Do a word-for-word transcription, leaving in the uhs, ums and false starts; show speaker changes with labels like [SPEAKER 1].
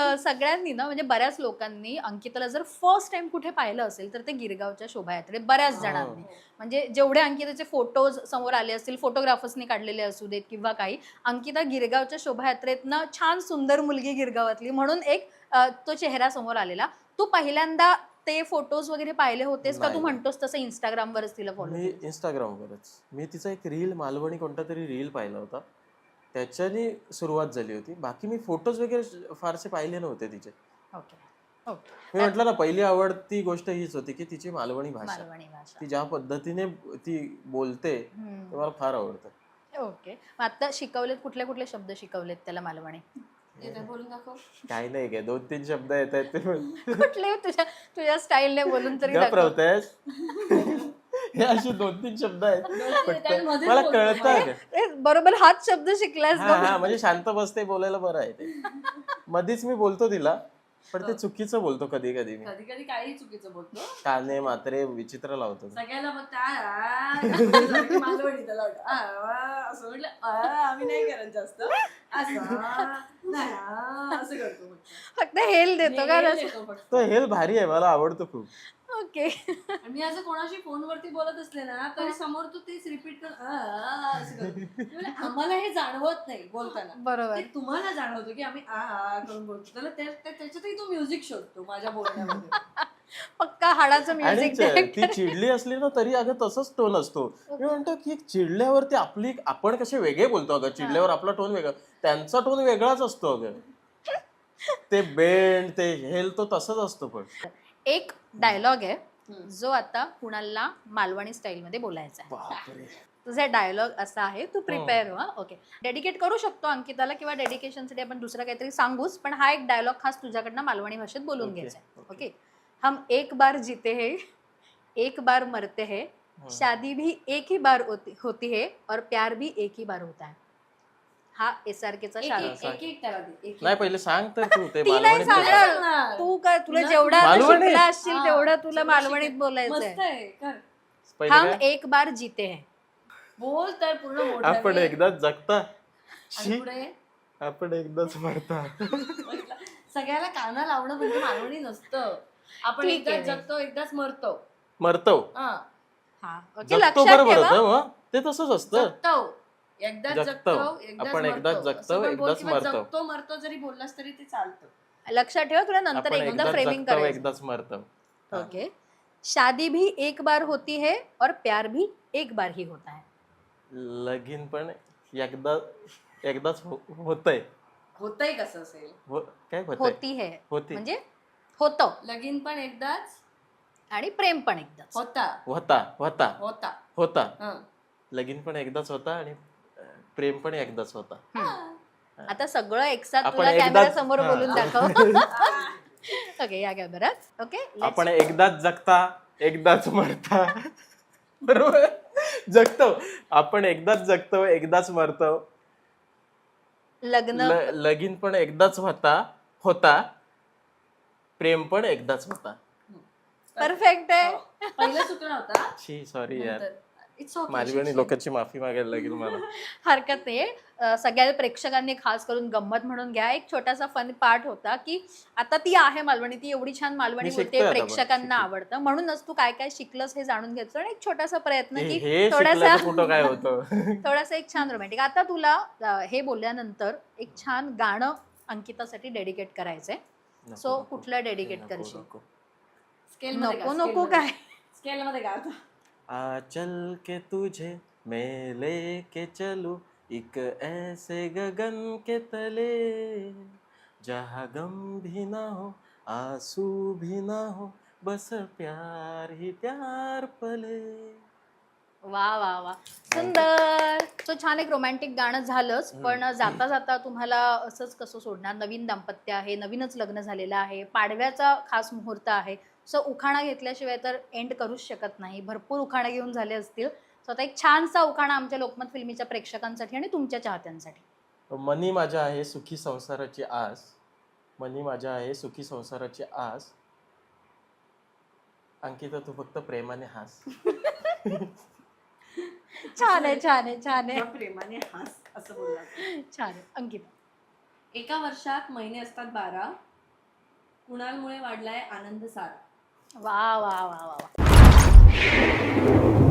[SPEAKER 1] सगळ्यांनी ना म्हणजे बऱ्याच लोकांनी अंकिताला जर फर्स्ट टाइम कुठे पाहिलं असेल तर ते गिरगावच्या शोभायात्रेत बऱ्याच जणांनी. म्हणजे जेवढे अंकिताचे फोटोज समोर आले असतील, फोटोग्राफर्सनी काढलेले असू देत किंवा काही, अंकिता गिरगावच्या शोभायात्रेतनं छान सुंदर मुलगी गिरगावातली म्हणून एक तो चेहरा समोर आलेला. तू पहिल्यांदा ते फोटोज वगैरे पाहिले होतेस का तू म्हणतोस तसं इंस्टाग्रामवरच तिला फॉलो?
[SPEAKER 2] मी इंस्टाग्रामवरच. मी तिचा एक रील, मालवणी कोणता तरी रील पाहिला होता, त्याच्याने सुरुवात झाली होती. बाकी मी फोटोज वगैरे फारसे पाहिले नव्हते तिचे.
[SPEAKER 1] Okay okay.
[SPEAKER 2] मी म्हटलं ना, पहिली आवडती गोष्ट हीच होती की तिची मालवणी भाषा,
[SPEAKER 1] मालवणी भाषा
[SPEAKER 2] ती ज्या पद्धतीने ती बोलते ते मला फार आवडतं.
[SPEAKER 1] ओके. मग आता शिकवलेत, कुठले कुठले शब्द शिकवलेत त्याला मालवणी?
[SPEAKER 3] बोलून दाखव.
[SPEAKER 2] काही नाही काय, दोन तीन शब्द येत आहेत ते
[SPEAKER 1] कुठले तुझ्या तुझ्या स्टाईलने बोलून तरी दाखव.
[SPEAKER 2] हे असे दोन तीन शब्द आहेत मला कळतं.
[SPEAKER 1] बरोबर हाच शब्द शिकलास.
[SPEAKER 2] हा म्हणजे शांत बसते, बोलायला बरं आहे ते. मधीच मी बोलतो तिला, पण ते चुकीचं बोलतो कधी कधी. मी
[SPEAKER 3] कधी कधी काही चुकीचं बोलतो,
[SPEAKER 2] काने मात्रे विचित्र लावतो
[SPEAKER 3] सगळ्याला मग मालवणी त्याला असं म्हटलं आम्ही नाही करत जास्त, असं करतो
[SPEAKER 1] फक्त हेल देतो का?
[SPEAKER 2] तो हेल भारी आहे, मला आवडतो खूप.
[SPEAKER 1] ओके.
[SPEAKER 3] मी असं कोणाशी फोनवरती बोलत असले ना तरी समोर तू तेच रिपीट कर, आम्हाला हे जाणवत नाही बोलताना.
[SPEAKER 1] बरोबर.
[SPEAKER 3] तुम्हाला जाणवतो की आम्ही आ करून बोलतो, त्याला त्याच्यातही तू म्युझिक शोधतो माझ्या बोलण्यामध्ये.
[SPEAKER 1] पक्का हाडाचं म्युझिक.
[SPEAKER 2] ती चिडली असली ना तरी अगं तसंच टोन असतो. मी म्हणतो की चिडल्यावरती आपली, आपण कसे वेगळे बोलतो अगं, चिडल्यावर आपला टोन वेगळा, त्यांचा टोन वेगळाच असतो अगं. ते बेंड, ते हेल, तो तसंच असतो. पण
[SPEAKER 1] एक डायलॉग आहे जो आता कुणालला मालवणी स्टाईल मध्ये बोलायचा आहे. तुझा डायलॉग असा आहे, तू प्रिपेअर व्हा. ओके. डेडिकेट करू शकतो अंकिताला किंवा डेडिकेशनसाठी आपण दुसरं काहीतरी सांगूच, पण हा एक डायलॉग खास तुझ्याकडनं मालवणी भाषेत बोलून घ्यायचा आहे. ओके. हम एक बार जीते हैं, एक बार मरते हैं, शादी भी एक ही बार होती है और प्यार भी एक ही बार होता है. हा एसआरकेचा
[SPEAKER 2] नाही, पहिले सांग तर तू ते
[SPEAKER 1] मालवणीत. तू काय, तुला जेवढा शिकला असशील तेवढा तुला मालवणीत बोलायचंय. हम एक बार जीते हैं.
[SPEAKER 3] बोल तर पूर्ण.
[SPEAKER 2] आपण एकदाच जगता, आपण एकदाच मरता.
[SPEAKER 3] सगळ्याला काना लावणं म्हणजे मालवणी नसतं. आपण एकदाच जगतो, एकदाच मरतो.
[SPEAKER 2] मरतो
[SPEAKER 1] जगतो,
[SPEAKER 2] बरोबर. ते तसंच असतं.
[SPEAKER 3] एकदाच जगतो,
[SPEAKER 2] आपण एकदाच जगतो, एकदाच मरतो.
[SPEAKER 3] जगतो मरतो जरी बोललास तरी ते चालतं.
[SPEAKER 1] लक्षात ठेवा, तुला नंतर एकदा फ्रेमिंग करायचं.
[SPEAKER 2] एकदाच मरतो.
[SPEAKER 1] ओके. शादी भी एक बार होती है और प्यार भी एक बार ही होता है.
[SPEAKER 2] लगीन पण एकदा एकदाच होतंय.
[SPEAKER 3] होतंय कसं असेल?
[SPEAKER 2] काय
[SPEAKER 1] होती है म्हणजे होतं.
[SPEAKER 3] लगीन पण एकदाच
[SPEAKER 1] आणि प्रेम पण एकदाच.
[SPEAKER 3] होता
[SPEAKER 2] होता होता
[SPEAKER 3] होता
[SPEAKER 2] होता लगीन पण एकदाच होता आणि प्रेम पण एकदाच होता.
[SPEAKER 1] आता सगळं एकसाथ तुला कॅमेरा समोर बोलून दाखव. ओके, या कॅमेरात. ओके.
[SPEAKER 2] आपण एकदाच जगता, एकदाच मरता. बरोबर. जगतो आपण, एकदाच जगतो, एकदाच मरतो.
[SPEAKER 1] लग्न
[SPEAKER 2] लगीन पण एकदाच होता होता प्रेम पण एकदाच होता.
[SPEAKER 1] परफेक्ट आहे.
[SPEAKER 3] पहिला चुकला होता.
[SPEAKER 2] शी सॉरी यार, मालवणी लोकांची माफी मागायला लागेल मला.
[SPEAKER 1] हरकत नाही. सगळ्या प्रेक्षकांनी खास करून गंमत म्हणून घ्या. एक छोटासा फन पार्ट होता की आता ती आहे मालवणी, ती एवढी छान मालवणी बोलते, प्रेक्षकांना आवडतं, म्हणूनच तू काय काय शिकलंस हे जाणून घ्यायचं. आणि एक छोटासा प्रयत्न की थोडासा
[SPEAKER 2] काय होतं
[SPEAKER 1] थोडासा एक छान रोमॅन्टिक. आता तुला हे बोलल्यानंतर एक छान गाणं अंकितासाठी डेडिकेट करायचंय. सो कुठलं डेडिकेट करशील? नको नको काय
[SPEAKER 3] स्केल मध्ये गा.
[SPEAKER 2] आ चल के तुझे मैं लेके चलूं एक ऐसे गगन के तले, जहाँ गम भी ना हो आंसू भी ना हो, बस प्यार ही प्यार पले.
[SPEAKER 1] वा वा वा, सुंदर. सो छान एक रोमॅन्टिक गाणं झालंच, पण जाता जाता तुम्हाला असंच कसं सोडणार? नवीन दाम्पत्य आहे, नवीनच लग्न झालेलं आहे, पाडव्याचा खास मुहूर्त आहे. सो उखाणा घेतल्याशिवाय तर एंड करूच शकत नाही. भरपूर उखाणा घेऊन झाले असतील. सो आता एक छानसा उखाणा आमच्या लोकमत फिल्मीच्या प्रेक्षकांसाठी आणि तुमच्या चाहत्यांसाठी.
[SPEAKER 2] मनी माझ्या आहे सुखी संसाराची आस, मनी माझ्या आहे सुखी संसाराची आस, अंकिता तू फक्त प्रेमाने हास.
[SPEAKER 1] छान आहे, छान आहे, छान आहे.
[SPEAKER 3] प्रेमाने हास असं बोलला.
[SPEAKER 1] छान आहे अंकिता.
[SPEAKER 3] एका वर्षात महिने असतात बारा, कुणालमुळे वाढलाय आनंद सारा.
[SPEAKER 1] वा वा वा वा वा